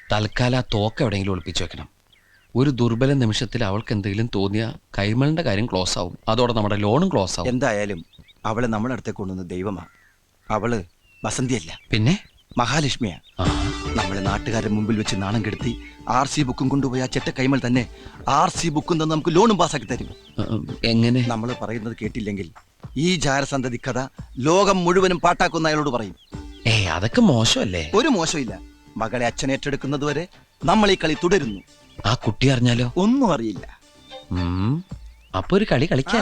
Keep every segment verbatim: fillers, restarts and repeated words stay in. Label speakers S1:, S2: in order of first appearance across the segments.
S1: തൽക്കാലം ആ തോക്ക് എവിടെയെങ്കിലും ഒളിപ്പിച്ചു വെക്കണം. ഒരു ദുർബല നിമിഷത്തിൽ അവൾക്ക് എന്തെങ്കിലും തോന്നിയ കൈമളിന്റെ കാര്യം ക്ലോസ് ആവും. അതോടെ നമ്മുടെ ലോണും ക്ലോസ് ആവും.
S2: എന്തായാലും അവളെ നമ്മുടെ അടുത്തേക്ക് കൊണ്ടുവന്ന ദൈവമാ. അവള് വസന്തിയല്ല,
S1: പിന്നെ
S2: മഹാലക്ഷ്മിയാ. നമ്മളെ നാട്ടുകാരുടെ മുമ്പിൽ വെച്ച് നാണം കെടുത്തി ആർ സി ബുക്കും കൊണ്ടുപോയി ആ ചെറ്റ കൈമൾ തന്നെ ആർ സി ബുക്കും തന്നെ നമുക്ക് ലോണും പാസ്സാക്കി തരും.
S1: എങ്ങനെ?
S2: നമ്മൾ പറയുന്നത് കേട്ടില്ലെങ്കിൽ ഈ ജാരസന്തതി കഥ ലോകം മുഴുവനും പാട്ടാക്കുന്ന അയാളോട് പറയും.
S1: ഏ അതൊക്കെ മോശമല്ലേ?
S2: ഒരു മോശമില്ല. മകളെ അച്ഛൻ ഏറ്റെടുക്കുന്നത് വരെ നമ്മൾ ഈ കളി തുടരുന്നു.
S1: ആ കുട്ടി അറിഞ്ഞാലോ?
S2: ഒന്നും അറിയില്ല.
S1: അപ്പൊ ഒരു കളി കളിക്കാൻ.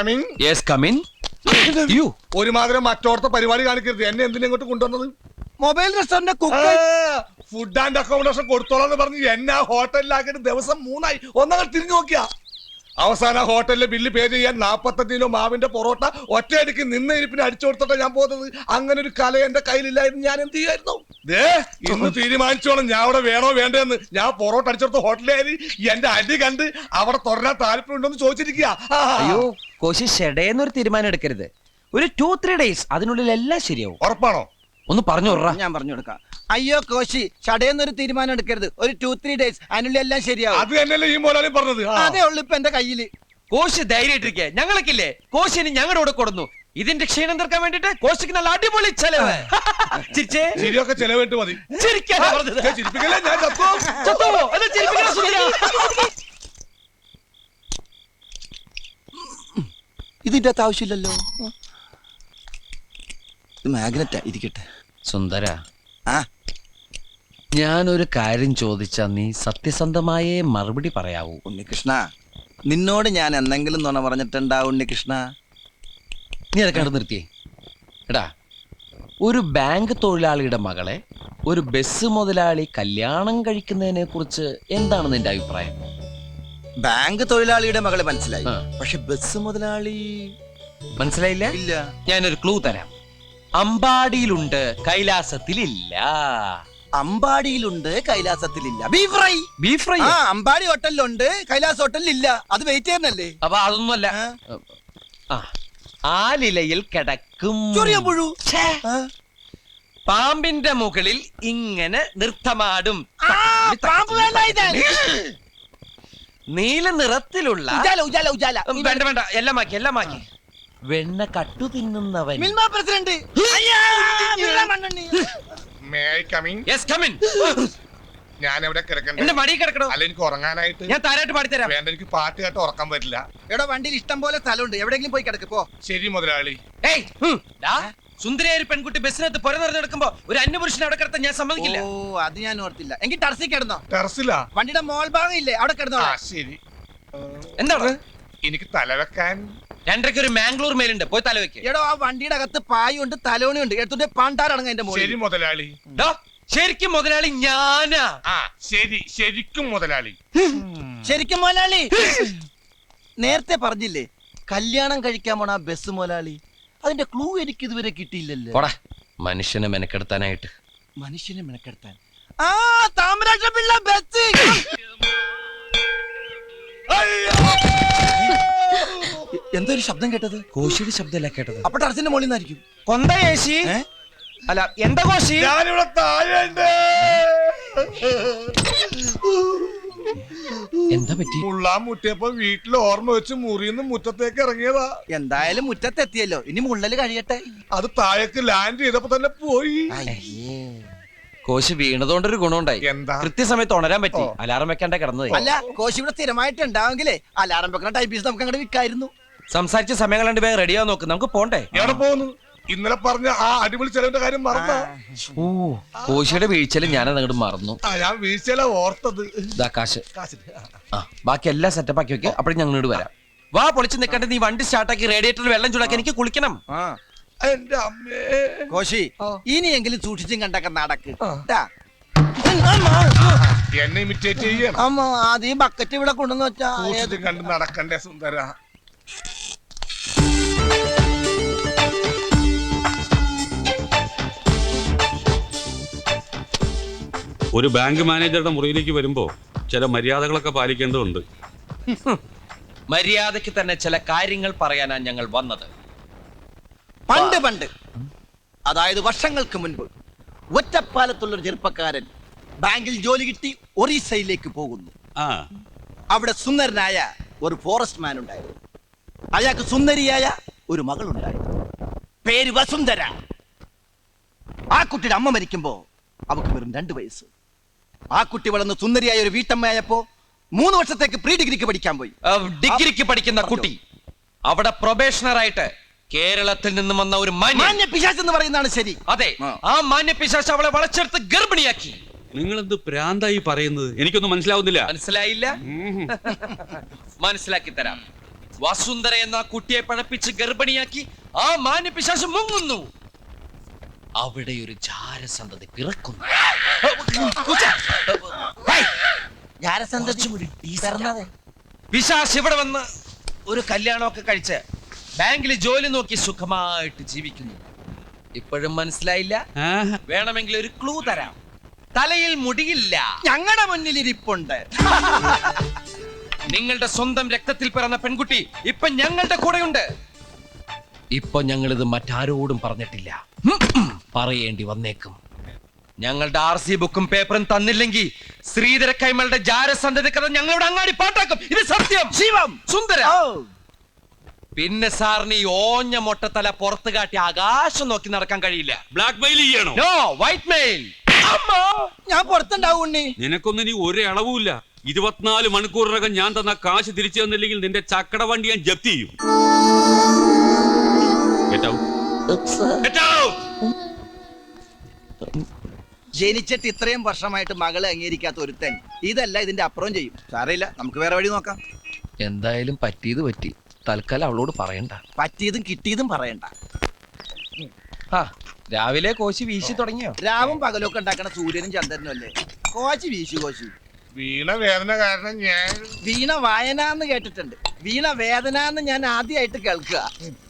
S3: ഒരുമാതിരി മറ്റോടത്തെ പരിപാടി കാണിക്കരുത്. എന്നെ എന്തിനാ ഇങ്ങോട്ട് കൊണ്ടുവന്നത്?
S2: Mobile restaurant
S3: food and accommodation കൊടുത്തോളാന്ന് പറഞ്ഞ് എന്നെ ആ ഹോട്ടലിലാക്കിയിട്ട് ദിവസം മൂന്നായി. ഒന്നങ്ങൾ തിരിഞ്ഞു നോക്കിയാ അവസാന ഹോട്ടലിലെ ബില്ല് പേ ചെയ്യാൻ നാപ്പത്തഞ്ച് കിലോ മാവിന്റെ പൊറോട്ട ഒറ്റയടിക്ക് നിന്ന് ഇരിപ്പിന് അടിച്ചു കൊടുത്തിട്ടാ ഞാൻ പോകുന്നത്. അങ്ങനെ ഒരു കല എന്റെ കയ്യിലില്ലായിരുന്നു. ഞാൻ എന്ത് ചെയ്യായിരുന്നു? ദേ ഇന്ന് തീരുമാനിച്ചോളാം ഞാൻ അവിടെ വേണോ വേണ്ടെന്ന്. ഞാൻ പൊറോട്ട അടിച്ചെടുത്ത ഹോട്ടലിൽ എന്റെ അടി കണ്ട് അവിടെ തുടരാൻ താല്പര്യമുണ്ടോന്ന് ചോദിച്ചിരിക്കുക.
S4: അയ്യോ കോശി, ഷെഡേന്നൊരു തീരുമാനം എടുക്കരുത്. ഒരു ടു ത്രീ ഡേയ്സ് അതിനുള്ളിൽ എല്ലാം ശരിയാവും.
S3: ഉറപ്പാണോ?
S1: ഒന്ന് പറഞ്ഞു വിടറാ.
S2: ഞാൻ പറഞ്ഞു കൊടുക്കാം. അയ്യോ കോശി, ചടയെന്നൊരു തീരുമാനം എടുക്കരുത്. ഒരു ടു ത്രീ ഡേയ്സ് അതിനുള്ളിൽ എല്ലാം ശരിയാവും.
S3: അത് തന്നെയല്ലേ ഈ മോലാലും പറഞ്ഞത്.
S2: അതേ ഉള്ളു ഇപ്പൊ എന്റെ കയ്യില്.
S4: കോശി ധൈര്യമായിട്ടിരിക്കെ. ഞങ്ങൾക്കില്ലേ കോശിന് ഞങ്ങളുടെ കൂടെ കൊടുന്നു. ഇതിന്റെ ക്ഷീണം തീർക്കാൻ വേണ്ടിട്ട് കോശിക്ക് നല്ല അടിപൊളി ചെലവ്. ചിരിച്ചേ,
S3: ശരിയൊക്കെ ചെലവിട്ട് മതി. ചിരിപ്പിക്കല്ലേ, ഞാൻ
S2: ഇതിന്റെ അകത്ത് ആവശ്യമില്ലല്ലോ. മാഗ്നറ്റാ, ഇരിക്കട്ടെ.
S1: സുന്ദര,
S2: ആ
S1: ഞാനൊരു കാര്യം ചോദിച്ചാ നീ സത്യസന്ധമായേ മറുപടി പറയാവൂ.
S2: ഉണ്ണികൃഷ്ണ, നിന്നോട് ഞാൻ എന്തെങ്കിലും നുണ പറഞ്ഞിട്ടുണ്ടാ ഉണ്ണികൃഷ്ണ?
S1: നീ അതൊക്കെ കണ്ടു നിർത്തിയേ. എടാ, ഒരു ബാങ്ക് തൊഴിലാളിയുടെ മകളെ ഒരു ബസ് മുതലാളി കല്യാണം കഴിക്കുന്നതിനെ കുറിച്ച് എന്താണ് നിന്റെ അഭിപ്രായം?
S2: ബാങ്ക് തൊഴിലാളിയുടെ മകളെ മനസ്സിലായി,
S1: ആ.
S2: പക്ഷെ ബസ് മുതലാളി
S1: മനസ്സിലായില്ല?
S2: ഇല്ല.
S1: ഞാനൊരു ക്ലൂ തരാം. അമ്പാടിയിലുണ്ട്, കൈലാസത്തിലില്ല.
S2: അമ്പാടിയിലുണ്ട്, കൈലാസത്തിലില്ല. Beef fry.
S1: Beef fry.
S2: ആ, അമ്പാടി ഹോട്ടലിലുണ്ട്, കൈലാസ് ഹോട്ടലിലില്ല. അത് വെയിറ്റ് ചെയ്യുന്നല്ലേ?
S1: അപ്പൊ അതൊന്നുമല്ല. ആ, ആലിലയിൽ കിടക്കും
S2: ചൊറിയമ്പുഴു.
S4: പാമ്പിന്റെ മുകളിൽ ഇങ്ങനെ നൃത്തമാടും. നീല നിറത്തിലുള്ള
S2: ഉജാല, ഉജാല, ഉജാല.
S4: വേണ്ട വേണ്ട, എല്ലാം മാക്കി എല്ലാം മാക്കി.
S1: വെണ്ണ കട്ടു തിന്നുന്നവൻ.
S2: മിൽമ പ്രസിഡന്റ്.
S3: ഞാൻ എവിടെ കിടക്കണ്ടേ?
S4: എന്റെ മടി കിടക്കണോ?
S3: അല്ല, എനിക്ക് ഉറങ്ങാനായിട്ട്.
S4: ഞാൻ താരായിട്ട് പാടിത്തരാം.
S3: വേണ്ട, എനിക്ക് പാട്ട് കേട്ട് ഉറക്കാൻ പറ്റില്ല.
S2: എടാ, വണ്ടിയിൽ ഇഷ്ടം പോലെ സ്ഥലമുണ്ട്, എവിടെയെങ്കിലും പോയി കിടക്ക് പോ.
S3: ശരി മുതലാളി.
S4: ഏയ്, ഡാ, സുന്ദരിയായ ഒരു പെൺകുട്ടി ബസ്സിനകത്ത് പുര നിറഞ്ഞെടുക്കുമ്പോ ഒരു അന്യപുരുഷനെ അവിടെ കിടത്താൻ ഞാൻ സമ്മതിക്കില്ല.
S2: ഓ, അത് ഞാൻ ഓർത്തില്ല. എങ്കിൽ ടർസിൽ കിടന്നോ.
S3: ടെറസിലാ?
S2: വണ്ടിയുടെ മോൾ ഭാഗം ഇല്ലേ, അവിടെ കിടന്നോ.
S3: ആ ശരി.
S4: എന്താണ്?
S3: എനിക്ക് തലവെക്കാൻ
S4: രണ്ടരയ്ക്ക് ഒരു മാംഗ്ലൂർ മേലുണ്ട്, പോയി തലവെക്ക്.
S2: എടോ, ആ വണ്ടിയുടെ അകത്ത് പായുണ്ട്, തലോണിയുണ്ട്. എടുത്തിട്ട് പാണ്ടാറടങ്ങ എന്റെ മോളിൽ.
S3: ശരി മുതലാളി.
S4: ശരിക്കും മുതലാളി ഞാനാ.
S3: ആ ശരി, ശരിക്കും മുതലാളി.
S2: ശരിക്കും മുതലാളി. നേരത്തെ പറഞ്ഞില്ലേ കല്യാണം കഴിക്കാൻ പോണ ആ ബസ് മുതലാളി? അതിന്റെ ക്ലൂ എനിക്ക് ഇതുവരെ കിട്ടിയില്ലല്ലോ.
S1: പോടാ, മനുഷ്യനെ മെനക്കെടുത്താനായിട്ട്.
S2: മനുഷ്യനെ മെനക്കെടുത്താൻ. ആ താമരാക്ഷ പിള്ള ബസ്. എന്തോ ഒരു ശബ്ദം കേട്ടത്?
S1: കോശിയുടെ ശബ്ദമല്ല കേട്ടത്.
S2: അപ്പൊ ടർസിന്റെ മുകളിൽ നിന്നായിരിക്കും.
S4: കൊന്ത ഏശി. അല്ല, എന്താ കോശി?
S3: ഞാനിവിടെ താഴെയുണ്ട്.
S1: എന്താ പറ്റി?
S3: മുള്ളാൻ മുട്ടിയപ്പോ വീട്ടിൽ ഓർമ്മ വെച്ച് മുറിന്ന് മുറ്റത്തേക്ക് ഇറങ്ങിയതാ.
S2: എന്തായാലും മുറ്റത്തെത്തിയല്ലോ, ഇനി മുള്ളല് കഴിയട്ടെ.
S3: അത് താഴേക്ക് ലാൻഡ് ചെയ്തപ്പോ തന്നെ പോയി.
S1: കോശി വീണതുകൊണ്ടൊരു ഗുണമുണ്ടായി.
S3: എന്താ?
S1: കൃത്യസമയത്ത് ഉണരാൻ പറ്റി. അലാറം വെക്കാണ്ട കിടന്നത്.
S2: അല്ല, കോശി ഇവിടെ സ്ഥിരമായിട്ട് ഉണ്ടാവെങ്കിലേ അലാറം വെക്കുന്ന ടൈപ്പീസ് നമുക്ക് അങ്ങോട്ട് വിൽക്കായിരുന്നു.
S1: സംസാരിച്ച സമയം കണ്ട് വേഗം റെഡിയാവാൻ നോക്ക്, നമുക്ക് പോണ്ടേ?
S3: എവിടെ പോകുന്നു? ഇന്നലെ പറഞ്ഞ ആ അടിപൊളി ചെലവിന്റെ കാര്യം മറന്ന.
S1: ഓ, കോശിയുടെ വീഴ്ചയിൽ ഞാനത് അങ്ങോട്ട് മറന്നു.
S3: ഞാൻ വീഴ്ചയില ഓർത്തത്.
S1: ഇതാ കാശ്. ആ, ബാക്കി എല്ലാം സെറ്റപ്പ് ആക്കി വെക്കാം. അപ്പോഴും ഞങ്ങൾ ഇങ്ങോട്ട് വരാം. വാ, പൊളിച്ച് നിൽക്കണ്ട. നീ വണ്ടി സ്റ്റാർട്ടാക്കി റേഡിയേറ്ററിൽ വെള്ളം ചൂടാക്കി എനിക്ക് കുളിക്കണം.
S3: എന്റെ അമ്മേ.
S2: കോശി, ഇനിയെങ്കിലും സൂക്ഷിച്ചും കണ്ടൊക്കെ നടക്ക്.
S3: എന്നെ ഇമിറ്റേറ്റ് ചെയ്യണം.
S2: അമ്മ, അത് ഈ ബക്കറ്റ് ഇവിടെ കൊണ്ടുവന്ന് വെച്ചാ
S3: സൂക്ഷിച്ചും കണ്ട് നടക്കണ്ടേ സുന്ദര.
S5: ഒരു ബാങ്ക് മാനേജറുടെ മുറിയിലേക്ക് വരുമ്പോ ചില മര്യാദകളൊക്കെ പാലിക്കേണ്ടതുണ്ട്.
S4: മര്യാദയ്ക്ക് തന്നെ ചില കാര്യങ്ങൾ പറയാനാണ് ഞങ്ങൾ വന്നത്.
S2: പണ്ട് പണ്ട്, അതായത് വർഷങ്ങൾക്ക് മുൻപ്, ഒറ്റപ്പാലത്തുള്ളൊരു ചെറുപ്പക്കാരൻ ബാങ്കിൽ ജോലി കിട്ടി ഒറീസയിലേക്ക് പോകുന്നു.
S5: ആ
S2: അവിടെ സുന്ദരനായ ഒരു ഫോറസ്റ്റ് മാൻ ഉണ്ടായിരുന്നു. അയാൾക്ക് സുന്ദരിയായ ഒരു മകളുണ്ടായിരുന്നു. പേര് വസുന്ധര. ആ കുട്ടിയുടെ അമ്മ മരിക്കുമ്പോ അവക്ക് വെറും രണ്ട് വയസ്സ്. ആ കുട്ടി വളർന്ന് സുന്ദരിയായ ഒരു വീട്ടമ്മയായപ്പോ മൂന്ന് വർഷത്തേക്ക് പ്രീ ഡിഗ്രിക്ക് പഠിക്കാൻ പോയി.
S4: ഡിഗ്രിക്ക് പഠിക്കുന്ന കുട്ടി അവിടെ പ്രൊബേഷണർ ആയിട്ട് കേരളത്തിൽ നിന്നും വന്ന ഒരു മാന്യ
S2: മാന്യ പിശാച് എന്ന് പറയുന്നതാണ് ശരി.
S4: അതെ,
S2: ആ.
S4: ആ മാന്യ പിശാച് അവളെ വളച്ചെടുത്ത് ഗർഭിണിയാക്കി.
S5: നിങ്ങൾ എന്ത് പ്രാന്തായി പറയുന്നത്? എനിക്കൊന്നും മനസ്സിലാവുന്നില്ല.
S4: മനസ്സിലായില്ല?
S5: ഉം.
S4: മനസ്സിലാക്കി തരാം. വസുന്ധര എന്ന ആ കുട്ടിയെ പഴപ്പിച്ച് ഗർഭിണിയാക്കി ആ മാന്യ പിശാച് മുങ്ങുന്നു. അവിടെ ഒരു ജാരസന്തതി പിറക്കുന്നു. പിശാച് ഇവിടെ വന്ന് ഒരു കല്യാണമൊക്കെ കഴിച്ച് ബാങ്കിൽ ജോലി നോക്കി സുഖമായിട്ട് ജീവിക്കുന്നു. ഇപ്പോഴും മനസ്സിലായില്ല?
S5: ആഹാ.
S4: വേണമെങ്കിൽ ഒരു ക്ലൂ തരാം. തലയിൽ മുടിയില്ല.
S2: ഞങ്ങളുടെ മുന്നിൽ ഇരിപ്പുണ്ട്.
S4: നിങ്ങളുടെ സ്വന്തം രക്തത്തിൽ പിറന്ന പെൺകുട്ടി ഇപ്പൊ ഞങ്ങളുടെ കൂടെയുണ്ട്. ഇപ്പൊ ഞങ്ങൾ ഇത് മറ്റാരോടും പറഞ്ഞിട്ടില്ല. പറയേണ്ടി വന്നേക്കും. ഞങ്ങളുടെ ആർ സി ബുക്കും പേപ്പറും തന്നില്ലെങ്കിൽ ശ്രീധര കൈമളുടെ ജാരസന്ധതി കഥ ഞങ്ങളുടെ അങ്ങാടി പാട്ടാക്കും. ഇത് സത്യം.
S2: ശിവം
S4: സുന്ദര.
S2: ഓ,
S4: പിന്നെ സാറിന് ഈ ഓഞ്ഞ മൊട്ടത്തല പുറത്ത് കാട്ടി ആകാശം നോക്കി നടക്കാൻ കഴിയില്ല.
S5: ബ്ലാക്ക് മെയിൽ ചെയ്യണോ?
S4: No, white mail.
S2: ഞാൻ പുറത്തുണ്ടാവും ഉണ്ണി.
S5: നിനക്കൊന്നും ഇനി ഒരു അളവുമില്ല. ഇരുപത്തിനാല് മണിക്കൂറിനകം ഞാൻ തന്ന കാശ് തിരിച്ചു തന്നില്ലെങ്കിൽ നിന്റെ ചക്കട വണ്ടി ഞാൻ ജപ്തി ചെയ്യും. Get out. Get out.
S2: ജനിച്ചിട്ട് ഇത്രയും വർഷമായിട്ട് മകളെ അംഗീകരിക്കാത്ത ഒരുത്തൻ ഇതല്ല ഇതിന്റെ അപ്പുറം ചെയ്യും. സാരമില്ല, നമുക്ക് വേറെ വഴി നോക്കാം.
S1: എന്തായാലും പറ്റിയത് പറ്റി. തൽക്കാലം അവളോട് പറയണ്ട.
S2: പറ്റിയതും കിട്ടിയതും പറയണ്ട.
S4: ആ, രാവിലെ കോശി വീശി തുടങ്ങിയോ?
S2: രാവും പകലൊക്കെ ഉണ്ടാക്കണ സൂര്യനും ചന്ദ്രനും അല്ലേ? കോശി വീശു കോശി.
S3: വീണ വേദന കാരണം ഞാൻ
S2: വീണ വായന എന്ന് കേട്ടിട്ടുണ്ട്. വീണ വേദന എന്ന് ഞാൻ ആദ്യമായിട്ട് കേൾക്കുക.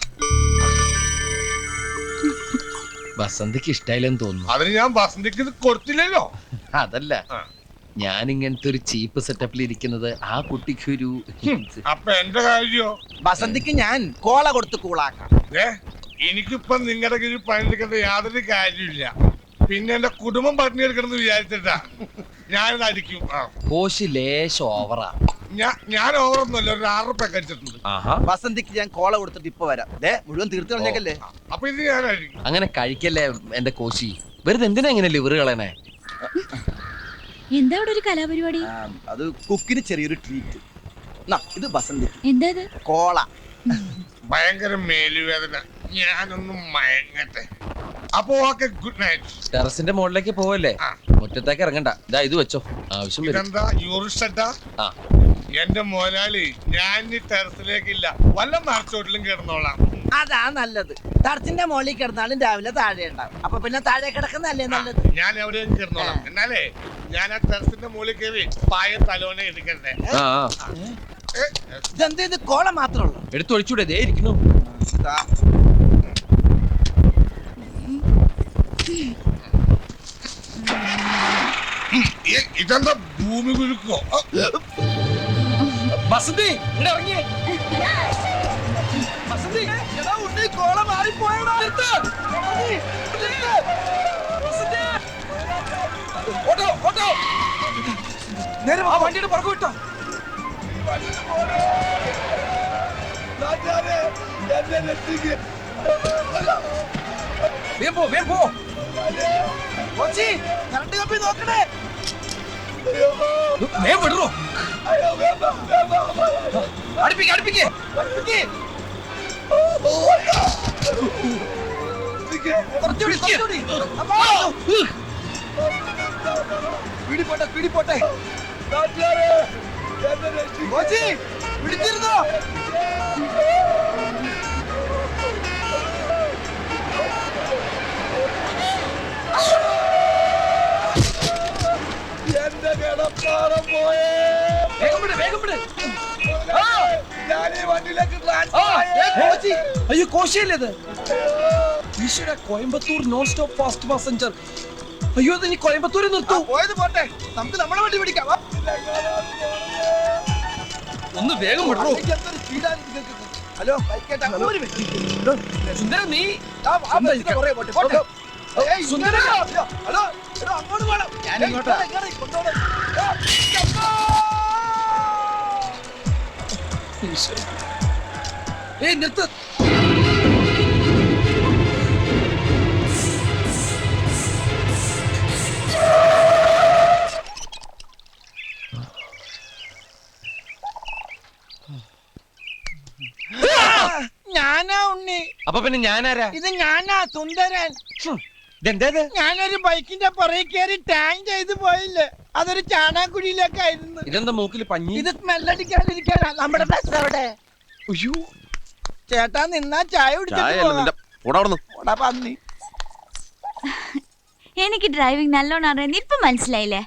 S1: വസന്തിക്ക് ഇഷ്ടായില്ലെന്ന് തോന്നുന്നു.
S3: അതിന് ഞാൻ വസന്തിക്ക് ഇത് കൊടുത്തില്ലല്ലോ.
S1: അതല്ല,
S3: ആ.
S1: ഞാൻ ഇങ്ങനത്തെ ഒരു ചീപ്പ് സെറ്റപ്പിൽ ഇരിക്കുന്നത് ആ കുട്ടിക്ക് ഒരു
S3: അപ്പൊ എന്റെ കാര്യോ?
S2: വസന്തിക്ക് ഞാൻ കോള കൊടുത്ത് കൂളാക്കാം.
S3: ഏ എനിക്കിപ്പൊ നിങ്ങളുടെ കീഴിൽ പണിയെടുക്കേണ്ട യാതൊരു കാര്യമില്ല. പിന്നെ എന്റെ കുടുംബം പട്ടിണി എടുക്കണമെന്ന് വിചാരിച്ചിട്ടാ ഞാനിത് അടിക്കും. ആ
S1: കോശി ലേശം ഓവറാ.
S3: ഞാൻ ഞാൻ ഓവറൊന്നുമല്ല, ഒരു ആറ് റുപ്യ കഴിച്ചിട്ടുണ്ട്.
S1: ആഹാ,
S2: വസന്തിക്ക് ഞാൻ കോള കൊടുത്തിട്ട് ഇപ്പൊ വരാം. ദേ മുഴുവൻ തീർത്ത് കളഞ്ഞേക്കല്ലേ.
S3: അപ്പൊ ഇത് ഞാൻ അടിക്കും.
S1: അങ്ങനെ കഴിക്കല്ലേ എന്റെ കോശി. വെറുതെ എന്തിനാ ഇങ്ങനെ ലിവർ കളയണേ?
S6: എന്താ ഇവിടെ ഒരു കലാപരിപാടി?
S2: ആ, അത് കുക്കിന് ചെറിയൊരു ട്രീറ്റ്. ഇത് വസന്തി
S6: എന്താ ഇത്?
S2: കോള.
S3: ഭയങ്കര മേലുവേദന, ഞാനൊന്നും മയങ്ങട്ടെ. അപ്പൊ ഓക്കെ, ഗുഡ് നൈറ്റ്.
S1: ടെറസിന്റെ മുകളിലേക്ക് പോവല്ലേ?
S3: ആ.
S1: മുറ്റത്തേക്ക് ഇറങ്ങണ്ട. ഇതാ ഇത് വെച്ചോ, ആവശ്യം വരും.
S3: ഇതെന്താ യൂറിസ്റ്റ?
S1: ആ,
S3: എന്റെ മോലാളി, ഞാൻ ഈ ടെറസിലേക്കില്ല, വല്ല മറച്ചോട്ടിലും കിടന്നോളാം.
S2: അതാ നല്ലത്. തടത്തിന്റെ മുകളിൽ കിടന്നാലും രാവിലെ താഴെ ഉണ്ടാവും. അപ്പൊ പിന്നെ താഴെ കിടക്കുന്നല്ലേ നല്ലത്.
S3: ഞാൻ എവിടെയും കിടന്നോളാം. എന്നാലേ ഞാൻ ആ ടെറസിന്റെ മുകളിൽ കയറി പായ തലോനെ എടുക്കണ്ടേ.
S1: ആ, ആ.
S3: ഏ,
S2: ഇതെന്ത് ഇത് കോള മാത്രമേ ഉള്ളൂ.
S1: എടുത്തു ഒഴിച്ചൂടെ? ദേ ഇരിക്കുന്നു.
S2: ദാ.
S3: ഏ, ഇതെന്താ ഭൂമി കുലുക്കോ? ആ,
S4: വസന്തി ഇവിടെ ഇറങ്ങിയേ.
S2: വസന്തി, എടാ ഉണ്ണി, കോള മാറിപ്പോയടാ.
S4: ഓട്ടോ ഓട്ടോ നേരെ ആ വണ്ടിയുടെ പുറകു വിട്ടോ.
S3: രാജാവേ, എന്നെ രക്ഷിക്ക്.
S4: വേഗം പോ, വേഗം പോ.
S2: കോച്ചി, കറണ്ട് കമ്പി നോക്കണേ.
S4: വേഗം വിടറോ.
S3: അയ്യോ, വേണ്ട, വേണ്ട.
S4: അടുപ്പിക്ക് അടുപ്പിക്ക്.
S2: അടുപ്പിക്ക്.
S3: രക്ഷിക്ക്.
S2: കുറച്ചുകൂടി, കുറച്ചുകൂടി. അപ്പോ. പിടിപോട്ടെ, പിടിപോട്ടെ.
S3: രാജാവേ, എന്നെ രക്ഷിക്ക്.
S2: കോച്ചി, പിടിച്ചിരുന്നോ?
S3: എന്റെ കിടപ്പാറം പോയേ.
S4: വേഗം വിട്, വേഗം വിട്.
S3: ഞാൻ ഈ വണ്ടിയിലേക്ക്
S4: ആ,
S3: ട്രാൻസ്ഫർ
S4: ഏ, കോശി. അയ്യോ, കോശിയല്ലേ ഇത്? ഈശ്വര, Coimbatore non stop fast passenger. അയ്യോ, ഇത് ഇനി കോയമ്പത്തൂരിൽ നിർത്തൂ.
S2: പോയത് പോട്ടെ, നമുക്ക് നമ്മളെ വണ്ടി പിടിക്കാം. വാ.
S4: ഒന്ന് വേഗം വിടറോ.
S2: എനിക്ക് എന്തൊരു സ്പീഡാണ് ഇത് കേൾക്കുന്നത്. ഹലോ, ബൈക്കേട്ടാ, ഒരു മിനിറ്റ്.
S4: സുന്ദര, നീ
S2: ആ, ആ ബസ്സിന്റെ പുറകെ പോട്ടെ, പോട്ടെ. ഏയ്,
S4: സുന്ദര.
S2: ഹലോ. അങ്ങോട്ട് പോണം.
S7: ഞാൻ ഇങ്ങോട്ടാ.
S2: ഇങ്ങോട്ട് കൊണ്ടുപോണം.
S4: ഏയ് നിർത്ത്.
S7: ഞാനാ ഉണ്ണി.
S4: അപ്പൊ പിന്നെ ഞാനാരാ?
S7: ഇത് ഞാനാ സുന്ദരൻ.
S4: ഇതെന്തേത്?
S7: ഞാനൊരു ബൈക്കിന്റെ പുറകെ കയറി ടാങ് ചെയ്ത് പോയില്ലേ, അതൊരു ചാണാക്കുഴിയിലേക്കായിരുന്നു.
S4: ഇതെന്താ മൂക്കിൽ പഞ്ഞി?
S7: ഇത് സ്മെല്ലടിക്കാതിരിക്കാനാ. നമ്മുടെ ബസ് അവിടെ.
S4: അയ്യോ,
S7: ചേട്ടാ നിന്നാ ചായ കുടിച്ചിട്ട് പോകാം. പോടാ പന്നി.
S6: എനിക്ക് ഡ്രൈവിംഗ് നല്ലോണം അറിയാൻ ഇപ്പൊ മനസ്സിലായില്ലേ?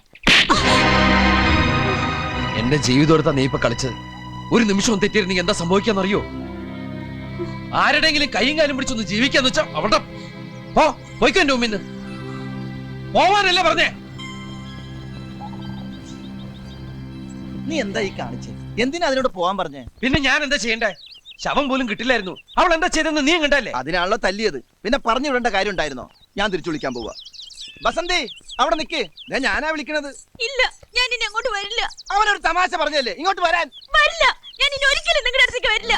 S4: എന്റെ ജീവിതം എടുത്താ നീ ഇപ്പൊ കളിച്ചത്. ഒരു നിമിഷം തെറ്റിയിരുന്നെങ്കിൽ എന്താ സംഭവിക്കാന്നറിയോ? ആരുടെങ്കിലും കൈയും കാലും പിടിച്ചൊന്ന് ജീവിക്കാന്ന് വെച്ചാ അവിടെ പോ, പോയിക്കോ എന്റെ മുമ്പിന്ന്. പോവാനല്ലേ പറഞ്ഞേ?
S2: നീ എന്താ ഈ കാണിച്ചേ? എന്തിനാ അതിനോട് പോവാൻ പറഞ്ഞേ?
S4: പിന്നെ ഞാൻ എന്താ ചെയ്യണ്ടേ? ശവം പോലും കിട്ടില്ലായിരുന്നു. അവൾ എന്താ ചെയ്തെന്ന് നീ കണ്ടല്ലേ?
S2: അതിനാണല്ലോ തല്ലിയത്. പിന്നെ പറഞ്ഞു വിടേണ്ട കാര്യം ഉണ്ടായിരുന്നോ? ഞാൻ തിരിച്ചു വിളിക്കാൻ പോവാ. ബസന്തി അവിടെ നിക്ക്. ദേ ഞാനാ വിളിക്കണത്.
S6: ഇല്ല, ഞാൻ ഇനി അങ്ങോട്ട് വരില്ല.
S2: അവനൊരു തമാശ പറഞ്ഞല്ലേ ഇങ്ങോട്ട് വരാൻ.
S6: വരില്ല, ഞാൻ ഇനി ഒരിക്കലും നിങ്ങളുടെ അടുത്തേക്ക് വരില്ല.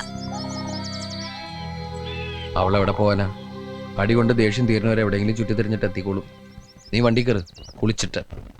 S4: അവളെവിടെ പോവാനാ? അടി കൊണ്ട് ദേഷ്യം തീരുന്നവരെ എവിടെയെങ്കിലും ചുറ്റി തിരിഞ്ഞിട്ട് എത്തിക്കോളും. നീ വണ്ടി കയറ്, കുളിച്ചിട്ട്.